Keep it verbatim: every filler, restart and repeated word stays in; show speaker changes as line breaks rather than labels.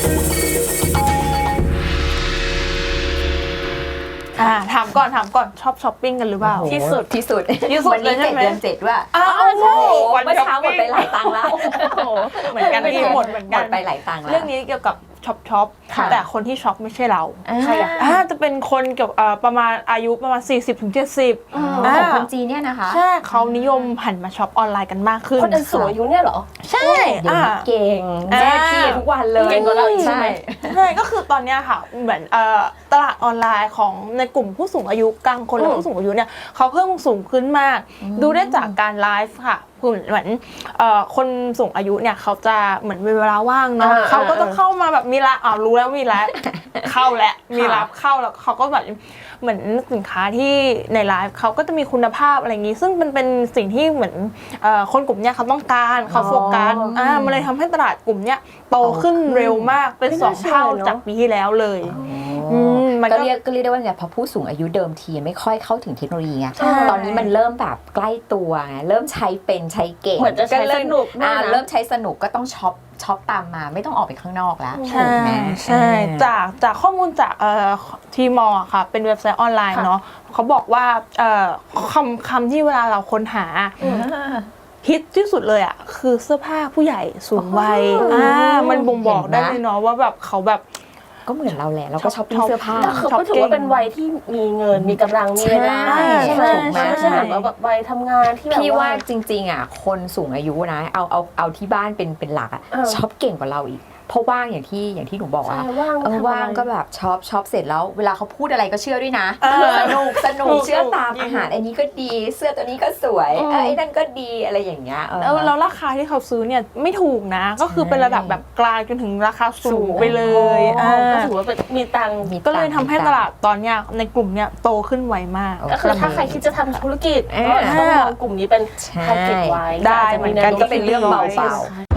อ่าถามก่อนถามก่อนชอบช้อปปิ้งกันหรือเปล่า
ที่สุดที่สุด
ที่สุด
วันนี้
เลยใช่
เจ็ด
ไหม
เดือนเจ็ดว่า
อ้าว
ใช่
วัน
เมื่อเช้าหมดไปหลายตังค์แล้ว
เหมือนกันที่หมดเหมือน
หม
กั
ด
น
ไปหลายตังค์แล้ว
เรื่องนี้เกี่ยวกับช็อปช็อป
ค่ะ
แต่คนที่ช็อปไม่ใช่เรา
ใครอะ
อ่าจะเป็นคนเกี่ยวกับประมาณอายุประมาณ สี่สิบถึงเจ็ดสิบ
อ๋อของคนจีนเนี่ยนะคะ
ใช่เขานิยมหันมาช็อปออนไลน์กันมากขึ้น
คนอันสูงอายุเนี่ยเหรอ
ใช่
เดี๋ยว
อ่า
นี้เก่ง
อ่า
แจ้พี่ทุกวันเลย
เก่งกว่าเราอีกใช่
ใช่
ไหม
ใช่ก็คือตอนเนี้ยค่ะเหมือนเอ่อตลาดออนไลน์ของในกลุ่มผู้สูงอายุกลางคนและ
อืม
ผู้สูงอายุเนี่ยเขาเพิ่มสูงขึ้นมาก ดูได้จากการไลฟ์ค่ะเหมือนเอ่อคนสูงอายุเนี่ยเขาจะเหมือนมีเวลาว่างเนาะ
อ่า
เขาก็จะ
อ่า
เข้ามาแบบมีร้านอ้าวรู้แล้วมีร้าน เข้าแล้วมีรับเข้าแล้วเขาก็แบบเหมือนสินค้าที่ในไลฟ์เขาก็จะมีคุณภาพอะไรอย่างนี้ ซึ่งมันเป็นสิ่งที่เหมือนเอ่อคนกลุ่มเนี้ยเขาต้องการเขาโฟกัสอ่ามันเลยทำให้ตลาดกลุ่มเนี้ยโตขึ้นเร็วมากเป็น
ไม่
ส
น่า
อง
เชื่อ
เท่า
เนอะ
จากปีที่แล้วเลยอืมมัน
ก็
ก็
เรียกก็เรียกได้ว่าเนี่ยพอผู้สูงอายุเดิมทีไม่ค่อยเข้าถึงเทคโนโลยีไง
ใช่
ตอนนี้มันเริ่มแบบใกล้ตัวไงเริ่มใช้เป็นใช้เก่ง
เหมือนจะใช้
ริ่
สนุกด้วยนะ
อ่าเริ่มใช้สนุกก็ต้องช็อปช็อปตามมาไม่ต้องออกไปข้างนอกแล้ว
ใช่
ถูกไหม
ใช่
เออ
จากจากข้อมูลจากเอ่อทีมอค่ะเป็นเว็บไซต์ออนไลน์
ค่ะ
เนาะเขาบอกว่าเอ่อคำคำที่เวลาเราค้นหา ฮิตที่สุดเลยอ่ะคือเสื้อผ้าผู้ใหญ่สูงวัย
อ๋ออ่
อ่ามันบ่งบอก
เห็นนะ
ได้เลยเนาะว่าแบบเขาแบบ
ก็เหมือนเราแหละเราก็ช้อปปิ้ง
ช็อป
เสื้อผ้า
แต่เขาก็ถือว่าเป็นวัยที่มีเงินมีกำลังมีเวลา
ใช่
ใช่ไหม
ถูกไหม
ไม่ใช่แบบว่าแบบวัยทำงานที่แบบ
พี่ว่า
ว่า
จริงๆอ่ะคนสูงอายุนะเอาเอาเอาที่บ้านเป็นเป็นหลักอ่ะ
เออ
ช็อปเก่งกว่าเราอีกเพราะว่างอย่างที่อย่างที่หนูบอก
ใช่
อ่ะ
ว่าง
เออ
ทำอะไร
ว่างก็แบบช็อปช็อปเสร็จแล้วเวลาเขาพูดอะไรก็เชื่อด้วยนะ
เออ
สนุกสนุก
ถูก
เชื่อตาม
จริง
อาหารอันนี้ก็ดีเสื้อตัวนี้ก็สวย
อืม
เออไอ้นั่นก็ดีอะไรอย่างเงี้ยเออ
แล้วแล้วราคาที่เขาซื้อเนี่ยไม่ถูกนะ ก็คือเป็นระดับแบบกลางจนถึงราคาสูงไปเลย
อ๋อ
อ่า
ก็ถือว่าเป็นมีตังค์
มี
ก็เลยทำให้ตลาดตอนเนี้ยในกลุ่มเนี้ยโตขึ้นไวมาก
ก็คือถ้าใครคิดจะทำธุรกิจ
เออ
ก็ต้องมองกลุ่มนี้เป็น
ใช่
ทาร์เก็ตไว้
ได้
าจจะ
เหมือนกัน
แวโ
ก็เป็นเรื่องเบา
ที่
ๆ